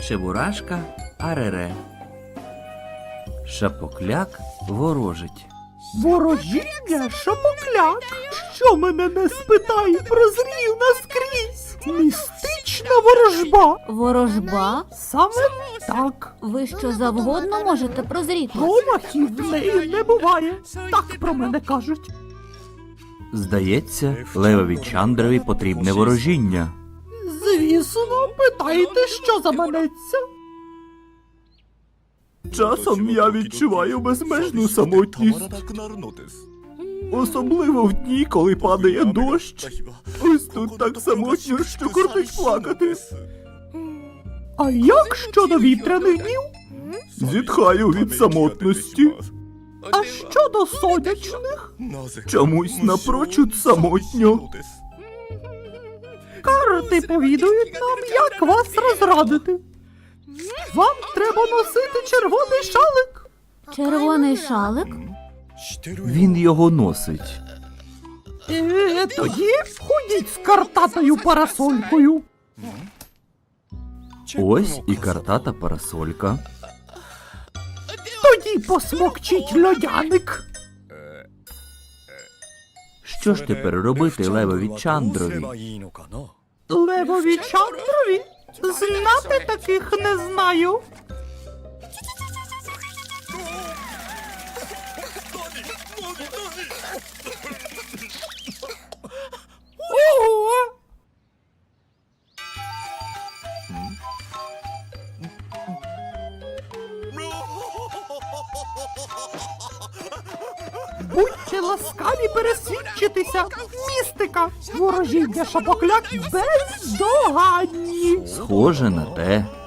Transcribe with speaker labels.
Speaker 1: Чебурашка Арере. Шапокляк ворожить.
Speaker 2: Ворожіння, шапокляк, що мене не спитай, прозрів наскрізь. Містична ворожба.
Speaker 3: Ворожба?
Speaker 2: Саме так.
Speaker 3: Ви що завгодно можете прозріти?
Speaker 2: Промахів в неї не буває. Так про мене кажуть.
Speaker 1: Здається, Левові Чандрові потрібне ворожіння.
Speaker 2: Звісно, питайте, що заманеться. Часом я відчуваю безмежну самотність. Особливо в дні, коли падає дощ. Ось тут так самотньо, що кортить плакати. А як щодо вітряних днів? Зітхаю від самотності. А щодо сонячних? Чомусь напрочуд самотньо. Карти повідують нам, як вас розрадити. Вам треба носити червоний шалик.
Speaker 3: Червоний шалик?
Speaker 1: Він його носить.
Speaker 2: Тоді ходіть з картатою парасолькою.
Speaker 1: Ось і картата парасолька.
Speaker 2: Тоді посмокчіть льодяник.
Speaker 1: Що ж тепер робити Левові Чандрові?
Speaker 2: Левові Чандрові? Знати таких не знаю. Ого! Будьте ласкаві пересвідчитися. Містика. Ворожіння шапокляк бездоганні.
Speaker 1: Схоже на те.